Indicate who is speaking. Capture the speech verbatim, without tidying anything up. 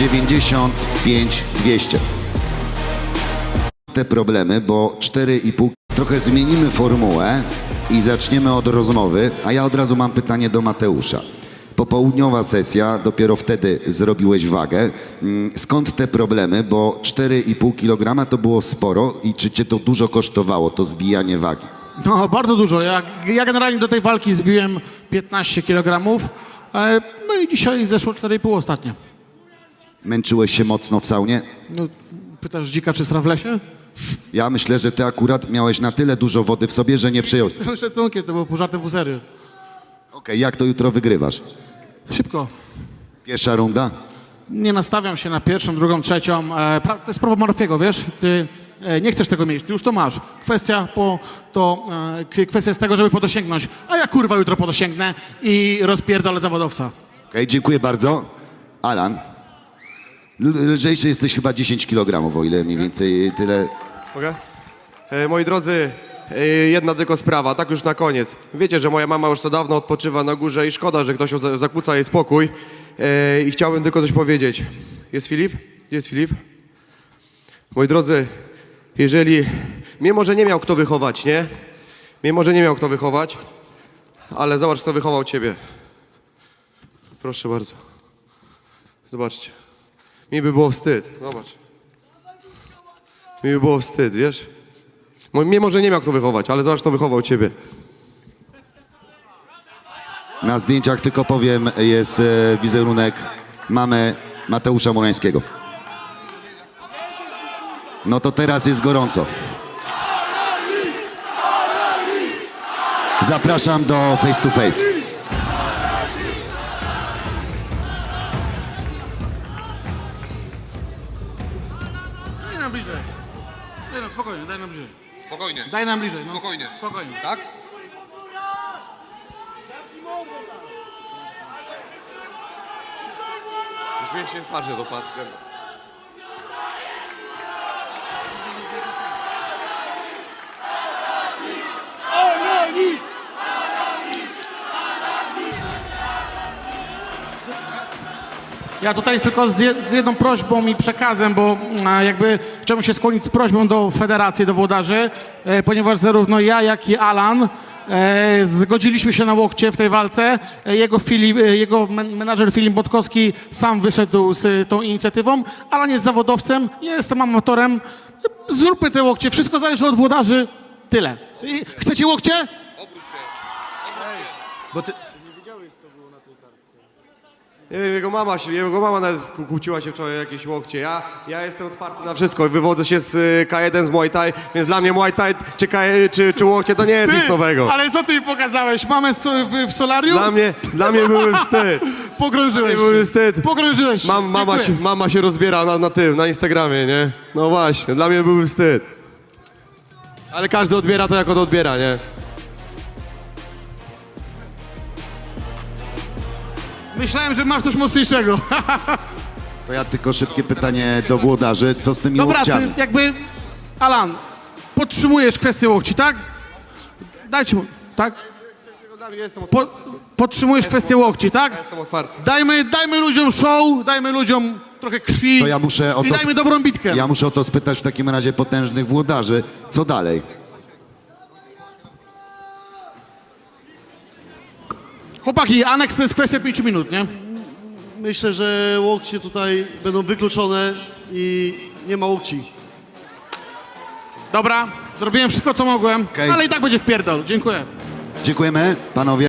Speaker 1: dziewięćdziesiąt pięć dwieście. Te problemy, bo cztery i pół. Trochę zmienimy formułę i zaczniemy od rozmowy, a ja od razu mam pytanie do Mateusza. Popołudniowa sesja, dopiero wtedy zrobiłeś wagę. Skąd te problemy, bo cztery i pół kilograma to było sporo i czy cię to dużo kosztowało, to zbijanie wagi?
Speaker 2: No, bardzo dużo. Ja, ja generalnie do tej walki zbiłem piętnaście kilogramów, e, no i dzisiaj zeszło cztery i pół ostatnio.
Speaker 1: Męczyłeś się mocno w saunie?
Speaker 2: No, pytasz dzika czy sra w lesie?
Speaker 1: Ja myślę, że ty akurat miałeś na tyle dużo wody w sobie, że nie przyjąłeś.
Speaker 2: Z tym szacunkiem, to było pół żartem, pół serio.
Speaker 1: Okej, jak to jutro wygrywasz?
Speaker 2: Szybko.
Speaker 1: Pierwsza runda?
Speaker 2: Nie nastawiam się na pierwszą, drugą, trzecią. E, pra, to jest prawo Murphy'ego, wiesz? Ty e, nie chcesz tego mieć, ty już to masz. Kwestia, po, to, e, k- kwestia jest tego, żeby po to sięgnąć. A ja kurwa jutro po to sięgnę i rozpierdolę zawodowca.
Speaker 1: Okej, dziękuję bardzo. Alan, l- lżejszy jesteś chyba dziesięć kilogramów, o ile mniej więcej tyle.
Speaker 3: Mogę? E, moi drodzy, e, jedna tylko sprawa, tak już na koniec. Wiecie, że moja mama już co dawno odpoczywa na górze i szkoda, że ktoś za- zakłóca jej spokój. E, I chciałbym tylko coś powiedzieć. Jest Filip? Jest Filip? Moi drodzy, jeżeli... Mnie może nie miał kto wychować, nie? Mnie może nie miał kto wychować, ale zobacz, kto wychował ciebie. Proszę bardzo. Zobaczcie. Mi by było wstyd. Zobacz. Mi by było wstyd, wiesz? Mo- Mnie może nie miał kto wychować, ale zobacz, kto wychował ciebie.
Speaker 1: Na zdjęciach, tylko powiem, jest e, wizerunek mamy Mateusza Murańskiego. No to teraz jest gorąco. Zapraszam do face to face.
Speaker 2: Daj nam bliżej. Daj nam spokojnie, daj nam bliżej.
Speaker 4: Spokojnie.
Speaker 2: Daj nam bliżej. No.
Speaker 4: Spokojnie.
Speaker 2: Spokojnie.
Speaker 4: Tak?
Speaker 3: Już mnie się patrzę, to patrz.
Speaker 2: Ja tutaj tylko z, je, z jedną prośbą i przekazem, bo a, jakby chciałbym się skłonić z prośbą do federacji, do włodarzy, e, ponieważ zarówno ja, jak i Alan e, zgodziliśmy się na łokcie w tej walce. E, jego, Filip, e, jego men, menadżer Filip Botkowski sam wyszedł z e, tą inicjatywą. Alan jest zawodowcem, ja jestem amatorem. E, Zróbmy te łokcie, wszystko zależy od włodarzy. Tyle. I, chcecie łokcie?
Speaker 4: Obróć się.
Speaker 3: Bo ty... Nie wiem, jego mama się, jego mama nawet kłó- kłóciła się wczoraj o jakieś łokcie. Ja, ja jestem otwarty na wszystko. Wywodzę się z y, K jeden z Muay Thai, więc dla mnie Muay Thai czy, K, czy, czy łokcie to nie jest nic nowego.
Speaker 2: Ale co ty mi pokazałeś? Mamę z- w, w solarium?
Speaker 3: Dla mnie, dla mnie były wstyd.
Speaker 2: Pogrążyłeś
Speaker 3: Dla mnie były
Speaker 2: się.
Speaker 3: wstyd.
Speaker 2: Pogrążyłeś się.
Speaker 3: Mam, mama, się,
Speaker 2: Dziękuję.
Speaker 3: mama się rozbiera na, na tym, na Instagramie, nie? No właśnie, dla mnie były wstyd. Ale każdy odbiera to, jak on odbiera, nie?
Speaker 2: Myślałem, że masz coś mocniejszego.
Speaker 1: To ja tylko szybkie pytanie do włodarzy. Co z tymi
Speaker 2: Dobra,
Speaker 1: łokciami?
Speaker 2: ty jakby... Alan, podtrzymujesz kwestię łokci, tak? Dajcie mu, tak?
Speaker 3: Jestem
Speaker 2: Po, podtrzymujesz kwestię łokci, tak?
Speaker 3: Jestem otwarty.
Speaker 2: Dajmy, dajmy ludziom show, dajmy ludziom trochę krwi
Speaker 1: To ja muszę o
Speaker 2: i
Speaker 1: to
Speaker 2: dajmy
Speaker 1: sp-
Speaker 2: dobrą bitkę.
Speaker 1: Ja muszę o to spytać w takim razie potężnych włodarzy. Co dalej?
Speaker 2: Chłopaki, aneks to jest kwestia pięciu minut, nie?
Speaker 5: Myślę, że łokcie tutaj będą wykluczone i nie ma łokci.
Speaker 2: Dobra, zrobiłem wszystko, co mogłem,
Speaker 1: Okej.
Speaker 2: ale i tak będzie wpierdol. Dziękuję.
Speaker 1: Dziękujemy, panowie.